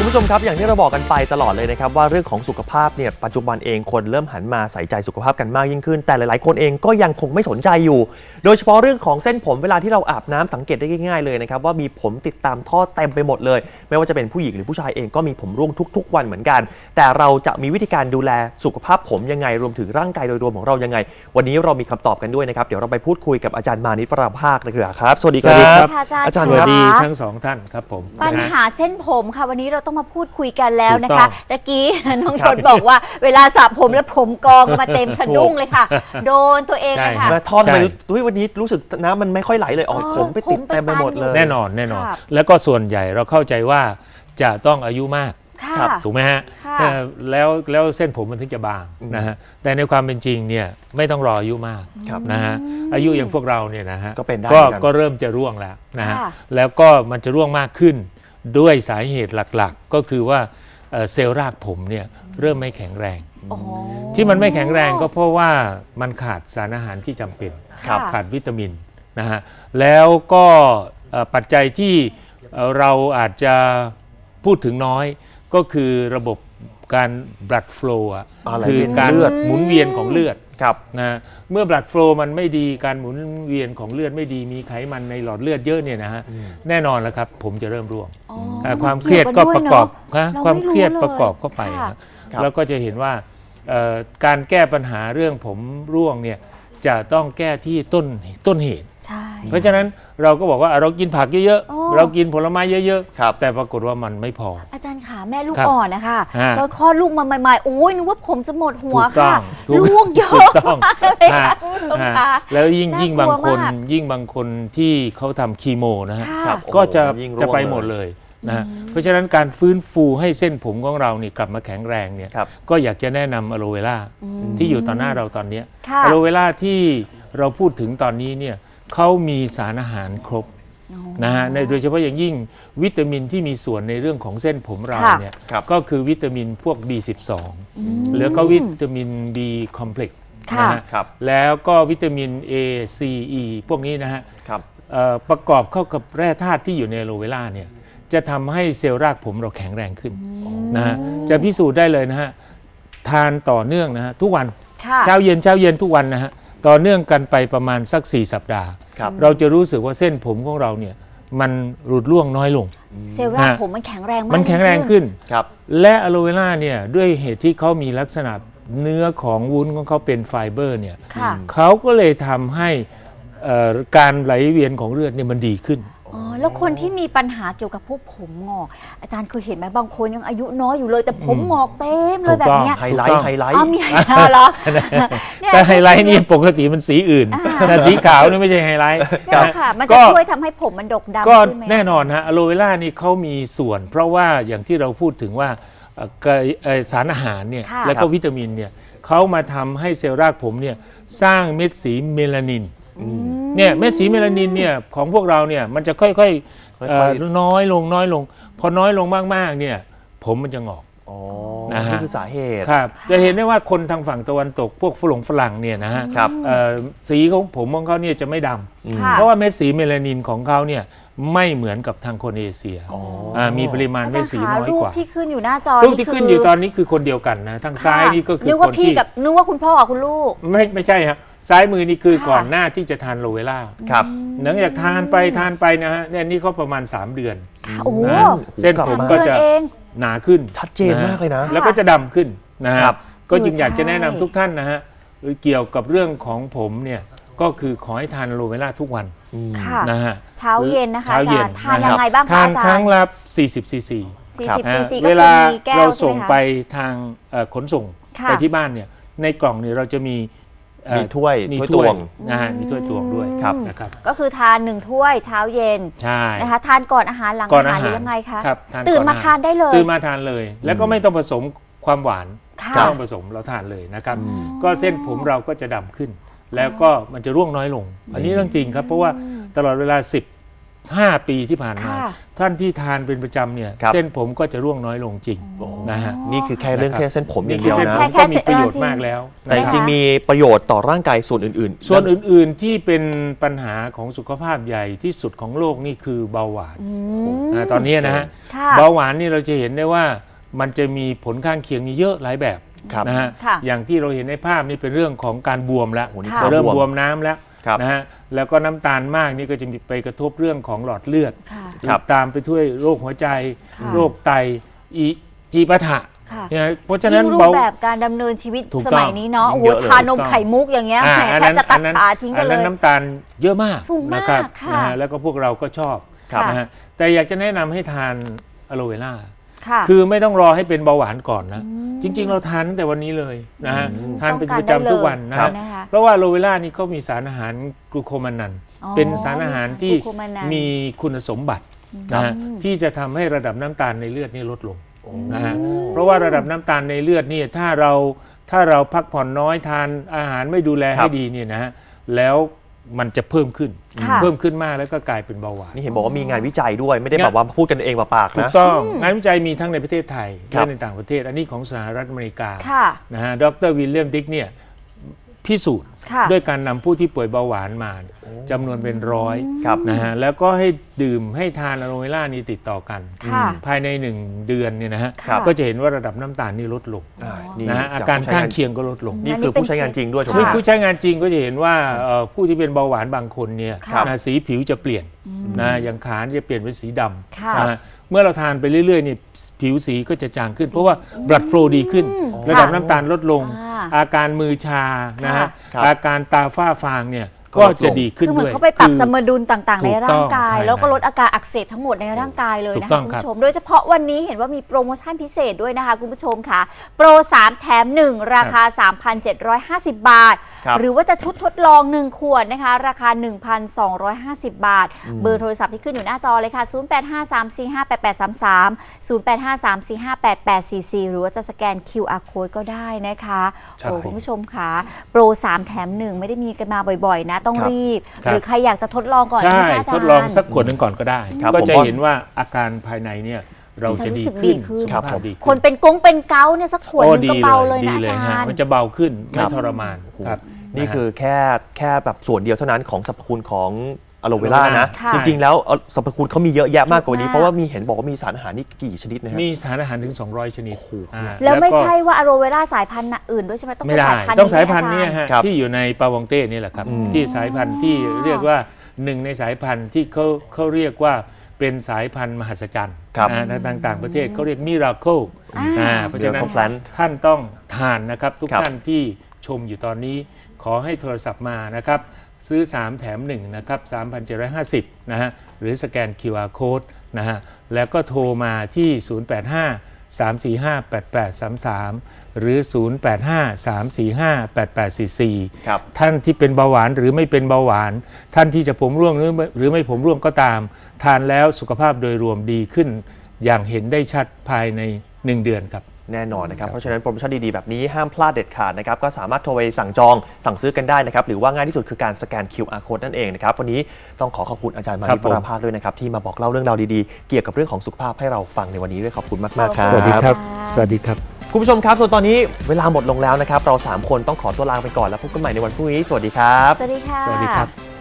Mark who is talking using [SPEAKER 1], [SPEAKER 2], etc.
[SPEAKER 1] คุณผู้ชมครับอย่างที่เราบอกกันไปตลอดเลยนะครับว่าเรื่องของสุขภาพเนี่ยปัจจุบันเองคนเริ่มหันมาใส่ใจสุขภาพกันมากยิ่งขึ้นแต่หลายๆคนเองก็ยังคงไม่สนใจอยู่โดยเฉพาะเรื่องของเส้นผมเวลาที่เราอาบน้ำสังเกตได้ง่ายๆเลยนะครับว่ามีผมติดตามท่อเต็มไปหมดเลยไม่ว่าจะเป็นผู้หญิงหรือผู้ชายเองก็มีผมร่วงทุกๆวันเหมือนกันแต่เราจะมีวิธีการดูแลสุขภาพผมยังไงรวมถึงร่างกายโดยรวมของเรายังไงวันนี้เรามีคำตอบกันด้วยนะครับเดี๋ยวเราไปพูดคุยกับอาจารย์มานิต ปราภาคนะครับสวัสดีครับอาจารย์
[SPEAKER 2] สวัสดีทั้งสองท่านครับผม
[SPEAKER 3] ปัญหาเส้นผมค่ะวันนี้เราต้องมาพูดคุยกันแล้วนะคะตะกี้น้องยศบอกว่าเวลาสระผมแล้วผมกองมาเต็มสะดุ้งเลยค่ะโดนตัวเองเลยค่ะ
[SPEAKER 1] มาทอดไปวันนี้รู้สึกน้ำมันไม่ค่อยไหลเลยผมไปติดเต็มไปหมดเลย
[SPEAKER 2] แน่นอนแล้วก็ส่วนใหญ่เราเข้าใจว่าจะต้องอายุมากถูกไหมฮะแล้วเส้นผมมันถึงจะบางนะฮะแต่ในความเป็นจริงเนี่ยไม่ต้องรออายุมากนะฮะอายุอย่างพวกเราเนี่ยนะฮะก็เริ่มจะร่วงแล้วนะฮะแล้วก็มันจะร่วงมากขึ้นด้วยสาเหตุหลักๆก็คือว่าเซลล์รากผมเนี่ยเริ่มไม่แข็งแรงที่มันไม่แข็งแรงก็เพราะว่ามันขาดสารอาหารที่จำเป็นขาดวิตามินนะฮะแล้วก็ปัจจัยที่เราอาจจะพูดถึงน้อยก็คือระบบการ blood flow คือการหมุนเวียนของเลือดนะเมื่อ blood flow มันไม่ดีการหมุนเวียนของเลือดไม่ดีมีไขมันในหลอดเลือดเยอะเนี่ยนะฮะแน่นอนแล้วครับผมจะเริ่มร่วงความเครียดก็ประกอบความเครียดประกอบเข้าไปแล้วก็จะเห็นว่าการแก้ปัญหาเรื่องผมร่วงเนี่ยจะต้องแก้ที่ต้นเหตุเพราะฉะนั้นเราก็บอกว่าเรากินผักเยอะๆเรากินผลไม้เยอะๆแต่ปรากฏว่ามันไม่พอ
[SPEAKER 3] อาจารย์ขาแม่ลูกอ่อนนะคะแล้วคลอดลูกมาใหม่ๆโอ้ยนึกว่าผมจะหมดหัวค่ะร่วงเยอะเลยค่ะคุณผู้ชมคะ
[SPEAKER 2] แล้วยิ่งบางคนที่เขาทำคีโมนะฮะก็จะไปหมดเลยนะเพราะฉะนั้นการฟื้นฟูให้เส้นผมของเรานี่กลับมาแข็งแรงเนี่ยก็อยากจะแนะนำอะโลเวล่าที่อยู่ต่อหน้าเราตอนนี้อะโลเวล่าที่เราพูดถึงตอนนี้เนี่ยเขามีสารอาหารครบนะฮะโดยเฉพาะอย่างยิ่งวิตามินที่มีส่วนในเรื่องของเส้นผมเราเนี่ยก็คือวิตามินพวก B12 แล้วก็วิตามิน B complex นะฮะแล้วก็วิตามิน A C E พวกนี้นะฮะประกอบเข้ากับแร่ธาตุที่อยู่ในอะโลเวล่าเนี่ยจะทำให้เซลล์รากผมเราแข็งแรงขึ้นนะฮะจะพิสูจน์ได้เลยนะฮะทานต่อเนื่องนะฮะทุกวันเช้าเย็นทุกวันนะฮะต่อเนื่องกันไปประมาณสัก4 สัปดาห์เราจะรู้สึกว่าเส้นผมของเราเนี่ยมันหลุดร่วงน้อยลง
[SPEAKER 3] เซลล์รากผมมันแข็งแรงมาก
[SPEAKER 2] มันแข็งแรงขึ้นและอะโลเวล่าเนี่ยด้วยเหตุที่เขามีลักษณะเนื้อของวุ้นของเขาเป็นไฟเบอร์เนี่ยเขาก็เลยทำให้การไหลเวียนของเลือดเนี่ยมันดีขึ้น
[SPEAKER 3] แล้วคนที่มีปัญหาเกี่ยวกับพวกผมงอกอาจารย์เคยเห็นไหมบางคนยังอายุน้อยอยู่เลยแต่ผมงอกเต็มเลยแบบนี้
[SPEAKER 1] ไฮไลท์
[SPEAKER 3] มีไฮไลท์เหรอ
[SPEAKER 2] แต่ไฮไลท์นี่ปกติมันสีอื่นแต่สีขาวนี่ไม่ใช่ไฮไลท์
[SPEAKER 3] ค่ะมันจะช่วยทำให้ผมมันดกดำ
[SPEAKER 2] ก็แน่นอนฮะอะโลเวล่านี่เขามีส่วนเพราะว่าอย่างที่เราพูดถึงว่าสารอาหารเนี่ยแล้วก็วิตามินเนี่ยเขามาทำให้เซลล์รากผมเนี่ยสร้างเม็ดสีเมลานินเนี่ยเม็ดสีเมลานินเนี่ยของพวกเราเนี่ยมันจะค่อยๆน้อยลงพอน้อยลงมากๆเนี่ยผมมันจะงอก
[SPEAKER 1] นี่คือสาเหตุ
[SPEAKER 2] ครับจะเห็นได้ว่าคนทางฝั่งตะวันตกพวกฝรั่งเนี่ยนะฮะสีของผมของเขาเนี่ยจะไม่ดำเพราะว่าเม็ดสีเมลานินของเขาเนี่ยไม่เหมือนกับทางคนเอเชียมีปริมาณเม็ดสีน้อยกว่า
[SPEAKER 3] รูปที่ขึ้นอยู่หน้าจอ
[SPEAKER 2] รูปที่ขึ้นอยู่ตอนนี้คือคนเดียวกันนะทางซ้ายนี่ก็คือ
[SPEAKER 3] คนที่นึกว่าคุณพ่อกับคุณลูก
[SPEAKER 2] ไม่ใช่ครับซ้ายมือนี่คือก่อนหน้าที่จะทานโลเวล่าหลังจากทานไปนะฮะเนี่ยนี่เขาประมาณ3 เดือนเส้นผมก็จะหนาขึ้น
[SPEAKER 1] ชัดเจนมากเลยนะ
[SPEAKER 2] แล้วก็จะดำขึ้นนะครับก็จึงอยากจะแนะนำทุกท่านนะฮะเกี่ยวกับเรื่องของผมเนี่ยก็คือขอให้ทานโลเวล่าทุกวันนะฮะ
[SPEAKER 3] เช้าเย็นนะคะอาจารย์ทานยังไงบ้างคะอาจารย์
[SPEAKER 2] ทานครั้งละ40 ซีซีเวลาเราส่งไปทางขนส่งไปที่บ้านเนี่ยในกล่องเนี่ยเราจะมี
[SPEAKER 1] ถ้วยตวง
[SPEAKER 2] มีถ้วยตวงด้วยนะครับ
[SPEAKER 3] ก็คือทาน1 ถ้วยเช้าเย็นนะคะทานก่อนอาหารหลังอาหารหรือยังไงคะตื่นมาทานได้เลย
[SPEAKER 2] ตื่นมาทานเลยแล้วก็ไม่ต้องผสมความหวานไม่ต้องผสมเราทานเลยนะครับก็เส้นผมเราก็จะดำขึ้นแล้วก็มันจะร่วงน้อยลงอันนี้เรื่องจริงครับเพราะว่าตลอดเวลา 5 ปีที่ผ่านมา
[SPEAKER 3] ค่ะ
[SPEAKER 2] ท่านที่ทานเป็นประจำเนี่ย
[SPEAKER 1] ครับ
[SPEAKER 2] เส้นผมก็จะร่วงน้อยลงจริงนะฮะ
[SPEAKER 1] นี่คือแค่เรื่องแค่เส้นผมอย่างเดียว
[SPEAKER 2] เส้น
[SPEAKER 1] นะ
[SPEAKER 2] ผมก็มีประโยชน์มากแล้ว
[SPEAKER 1] แต่จ
[SPEAKER 2] นะค
[SPEAKER 1] ริ
[SPEAKER 2] รับ
[SPEAKER 1] งๆมีประโยชน์ต่อร่างกายส่วนอื่นๆ
[SPEAKER 2] ส่วนอื่นๆที่เป็นปัญหาของสุขภาพใหญ่ที่สุดของโลกนี่คือเบาหวานนะตอนนี้นะฮะ
[SPEAKER 3] ค่ะ
[SPEAKER 2] เบาหวานนี่เราจะเห็นได้ว่ามันจะมีผลข้างเคียงนี่เยอะหลายแบบ
[SPEAKER 1] ครับ
[SPEAKER 2] นะฮะ
[SPEAKER 3] ค่ะ
[SPEAKER 2] อย่างที่เราเห็นในภาพนี่เป็นเรื่องของการบวมแล้ว
[SPEAKER 1] โอ้โหนี่
[SPEAKER 3] ค่ะ
[SPEAKER 2] เริ่ม
[SPEAKER 1] บวม
[SPEAKER 2] บวมน้ำแล้ว
[SPEAKER 1] ครับ
[SPEAKER 2] นะฮะแล้วก็น้ำตาลมากนี่ก็จะมีไปกระทบเรื่องของหลอดเลือด
[SPEAKER 3] ค่ะ
[SPEAKER 1] ครับ
[SPEAKER 2] ตามไปด้วยโรคหัวใจ
[SPEAKER 3] ค่ะ
[SPEAKER 2] โรคไตจีปาถะ
[SPEAKER 3] ค่ะ
[SPEAKER 2] เนี่ยเพราะฉะนั้น
[SPEAKER 3] ยิ่งรู
[SPEAKER 2] เบา
[SPEAKER 3] ปแบบการดำเนินชีวิต
[SPEAKER 2] ถูก
[SPEAKER 3] ส
[SPEAKER 2] ต้อง
[SPEAKER 3] มัยนี้เนาะ
[SPEAKER 1] ยิ่
[SPEAKER 3] โอ้
[SPEAKER 1] ง
[SPEAKER 3] โห
[SPEAKER 1] เยอะเลย
[SPEAKER 3] ชานมไข่มุกอย่างเงี้ยแหมแทบจะตัดขาทิ้งกันเล
[SPEAKER 2] อั
[SPEAKER 3] ย
[SPEAKER 2] น้ำตาลเยอะมาก
[SPEAKER 3] สูงมาก
[SPEAKER 2] นะครับ
[SPEAKER 3] ค่ะ
[SPEAKER 2] นะฮะแล้วก็พวกเราก็ชอบ
[SPEAKER 3] ค่ะ
[SPEAKER 2] นะฮะแต่อยากจะแนะนำให้ทานอะโลเวล่า
[SPEAKER 3] ค่ะ
[SPEAKER 2] คือไม่ต้องรอให้เป็นเบาหวานก่อนนะ จริง ๆ เราทานตั้งแต่วันนี้เลยนะฮะทานเป็นประจำทุกวันนะ
[SPEAKER 3] ครั
[SPEAKER 2] ฮะ
[SPEAKER 3] บนะคะ
[SPEAKER 2] เพราะว่าอะโลเวล่านี่เขามีสารอาหารกลูโคมานัน
[SPEAKER 3] อ๋อ
[SPEAKER 2] เป็นสารอาหารที่
[SPEAKER 3] มีสารกลูโคมานัน
[SPEAKER 2] มีคุณสมบัตินะฮะที่จะทำให้ระดับน้ำตาลในเลือดนี่ลดลงนะฮะเพราะว่าระดับน้ำตาลในเลือดนี่ถ้าเราพักผ่อนน้อยทานอาหารไม่ดูแล
[SPEAKER 1] ครั
[SPEAKER 2] ให้
[SPEAKER 1] บ
[SPEAKER 2] ดีเนี่ยนะฮะแล้วมันจะเพิ่มขึ้น
[SPEAKER 3] ค่ะ
[SPEAKER 2] เพิ่มขึ้นมากแล้วก็กลายเป็นเบาหวาน
[SPEAKER 1] นี่เห็นบอกว่ามีงานวิจัยด้วยไม่ได้แบบว่าพูดกันเองปากๆ
[SPEAKER 2] ถู
[SPEAKER 1] นะ
[SPEAKER 2] กต้องงานวิจัยมีทั้งในประเทศไทย
[SPEAKER 1] ครั
[SPEAKER 2] และ
[SPEAKER 1] บ
[SPEAKER 2] ในต่างประเทศ อันนี้ของสหรัฐอเมริกา
[SPEAKER 3] ค่ะ
[SPEAKER 2] นะฮะดรวิลเลียมดิกเนี่ยพิสูจน์
[SPEAKER 3] ค่ะ
[SPEAKER 2] ด้วยการนำผู้ที่ป่วยเบาหวานมาจำนวนเป็นร้อย
[SPEAKER 1] ครับ
[SPEAKER 2] นะฮะแล้วก็ให้ดื่มให้ทานอะโลเวล่านี่ติดต่อกัน
[SPEAKER 3] ค่ะ
[SPEAKER 2] ภายใน 1 เดือนเนี่ยนะฮะ
[SPEAKER 3] ครับ
[SPEAKER 2] ก็จะเห็นว่าระดับน้ำตาลนี่ลดลง
[SPEAKER 1] นี่
[SPEAKER 2] นะฮะอา
[SPEAKER 1] จ
[SPEAKER 2] การ
[SPEAKER 1] ผู้ใช้
[SPEAKER 2] ข้าง
[SPEAKER 1] น
[SPEAKER 2] เคียงก็ลดลง
[SPEAKER 1] นี่คือผู้ใช้งานจริงด้วยถูกไหม
[SPEAKER 2] ผู้
[SPEAKER 1] ฮะ
[SPEAKER 2] ผู้ใช้งานจริงก็จะเห็นว่าผู้ที่เป็นเบาหวานบางคนเนี่ย
[SPEAKER 3] ครับ
[SPEAKER 2] นะสีผิวจะเปลี่ยนนะอย่างขาจะเปลี่ยนเป็นสีด
[SPEAKER 3] ค่ะ
[SPEAKER 2] ำนะฮะเมื่อเราทานไปเรื่อยๆนี่ผิวสีก็จะจางขึ้น เพราะว่า blood flow ดีขึ้น ระดับน้ำตาลลดลง
[SPEAKER 3] อ่า
[SPEAKER 2] อาการมือชานะฮะ
[SPEAKER 1] ครับ
[SPEAKER 2] อาการตาฝ้าฟางเนี่ย
[SPEAKER 1] ก็
[SPEAKER 2] ก็
[SPEAKER 1] ลดลง
[SPEAKER 2] จะดีขึ้น
[SPEAKER 3] คือเหมื
[SPEAKER 2] ด้
[SPEAKER 3] อ
[SPEAKER 2] วน ย
[SPEAKER 3] เขาไปปรับ
[SPEAKER 2] คือ
[SPEAKER 3] สมดุลต่างๆ ในร่างกาย
[SPEAKER 2] ถูกต้อง
[SPEAKER 3] แล้วก็ลดอาการอักเสบทั้งหมดในร่างกายเลย
[SPEAKER 2] ถู
[SPEAKER 3] นะ
[SPEAKER 2] กต้
[SPEAKER 3] คะ
[SPEAKER 2] อง
[SPEAKER 3] คุณ
[SPEAKER 2] ครับ
[SPEAKER 3] ผู้ชม โดยเฉพาะวันนี้เห็นว่ามีโปรโมชั่นพิเศษด้วยนะคะคุณผู้ชมค่ะ โปร 3 แถม 1 ราคา 3,750 บาท
[SPEAKER 1] ครับ
[SPEAKER 3] หรือว่าจะชุดทดลอง 1 ขวดนะคะ ราคา 1,250 บาท เบอร์โทรศัพท์ที่ขึ้นอยู่หน้าจอเลยค่ะ 0853458833 0853458844 หรือว่าจะสแกน QR code ก็ได้นะคะ
[SPEAKER 2] ครับ
[SPEAKER 3] โอ้คุณผู้ชมค่ะโปร 3 แถม 1 ไม่ได้มีกันมาบ่อยๆ นะ ต้อง
[SPEAKER 1] ครับ
[SPEAKER 3] รีบ
[SPEAKER 2] ครับ
[SPEAKER 3] หรือใครอยากจะทดลองก่อน
[SPEAKER 2] ใช่
[SPEAKER 3] ไหมคะอาจารย์
[SPEAKER 2] ทดลองสักขวดหนึ่งก่อนก็ได้
[SPEAKER 1] ครับ
[SPEAKER 2] ก็จะ
[SPEAKER 1] ผมว่า
[SPEAKER 2] เห็นว่าอาการภายในเนี่ยเราจะดี
[SPEAKER 3] จะรู้สึก
[SPEAKER 2] ขึ้น
[SPEAKER 3] ดีขึ้น
[SPEAKER 2] สุขภาพดีขึ้
[SPEAKER 3] คนเป็นกงเป็นเกาต์เนี่ยสักขวดหนึงก็เบาเลย
[SPEAKER 2] ดี
[SPEAKER 3] นะอา
[SPEAKER 2] เลย
[SPEAKER 3] จา
[SPEAKER 2] ฮะ
[SPEAKER 3] รย์
[SPEAKER 2] มันจะเบาขึ้น
[SPEAKER 1] ครั
[SPEAKER 2] ไม่
[SPEAKER 1] บ
[SPEAKER 2] ทรมานครับ
[SPEAKER 1] นี่
[SPEAKER 2] ะฮะ
[SPEAKER 1] คือแค่แบบส่วนเดียวเท่านั้นของสรรพคุณของอะโลเวล่านะ
[SPEAKER 3] ค่ะ
[SPEAKER 1] จริงๆแล้วสรรพคุณเขามีเยอะแยะมากกว่านี้
[SPEAKER 3] มาก
[SPEAKER 1] เพราะว่ามีเห็นบอกว่ามีสารอาหารนี่กี่ชนิดนะฮะ
[SPEAKER 2] มีสารอาหารถึง 200 ชนิดอ่า
[SPEAKER 3] แล้วไม่
[SPEAKER 2] ก็
[SPEAKER 3] ใช่ว่าอะโรเวล่าสายพันธุ์อื่นด้วยใช่ไหมต้อง
[SPEAKER 2] ไม่
[SPEAKER 3] เป็น
[SPEAKER 2] ได้
[SPEAKER 3] สายพันธุ์
[SPEAKER 2] ต้องสายพันธุ์เนี่ย
[SPEAKER 3] อาจาร
[SPEAKER 2] ฮะ
[SPEAKER 1] ครับ
[SPEAKER 2] ที่อยู่ในปาวองเต้นี่แหละครับ ที่สายพันธุ์ที่เรียกว่าหนึ่งในสายพันธุ์ที่เขาเรียกว่าเป็นสายพันธุ์มหัศจรรย์
[SPEAKER 1] ครับ
[SPEAKER 2] ในต่างประเทศเขาเรียกมิราเคิลเพราะฉะนั้น
[SPEAKER 1] Miracle Plant
[SPEAKER 2] ท่านต้องทานนะครับทุก
[SPEAKER 1] ครับ
[SPEAKER 2] ท่านที่ชมอยู่ตอนนี้ขอให้โทรศัพท์มานะครับซื้อ 3 แถม 1 นะครับ 3,750 นะฮะหรือสแกน QR Code นะฮะแล้วก็โทรมาที่ 085-345-8833 หรือ 085-345-8844
[SPEAKER 1] ครับ
[SPEAKER 2] ท่านที่เป็นเบาหวานหรือไม่เป็นเบาหวาน ท่านที่จะผมร่วงหรือไม่ผมร่วงก็ตาม ทานแล้วสุขภาพโดยรวมดีขึ้น อย่างเห็นได้ชัดภายใน 1 เดือนครับ
[SPEAKER 1] แน่นอนนะครับ เพราะฉะนั้นโปรโมชั่นดีๆ แบบนี้ห้ามพลาดเด็ดขาดนะครับ ก็สามารถโทรไปสั่งจองสั่งซื้อกันได้นะครับ หรือว่าง่ายที่สุดคือการสแกน QR code นั่นเองนะครับ วันนี้ต้องขอบคุณอาจารย์มา
[SPEAKER 2] ครั
[SPEAKER 1] นิ
[SPEAKER 2] บ
[SPEAKER 1] ปราภาสด้วยนะครับ ที่มาบอกเล่าเรื่องราวดีๆ เกี่ยวกับเรื่องของสุขภาพให้เราฟังในวันนี้ด้วยขอบคุณมากๆครับ
[SPEAKER 2] สวัสดีครับ สวัสดีครับ
[SPEAKER 1] คุณผู้ชมครับส่วนตอนนี้เวลาหมดลงแล้วนะครับ เรา 3 คนต้องขอตัวลาไปก่อนแล้วพบกันใหม่ในวันพรุ่งนี้ สวัสดีครับ
[SPEAKER 3] สวัสดีค่ะ
[SPEAKER 2] สวัสดีครับ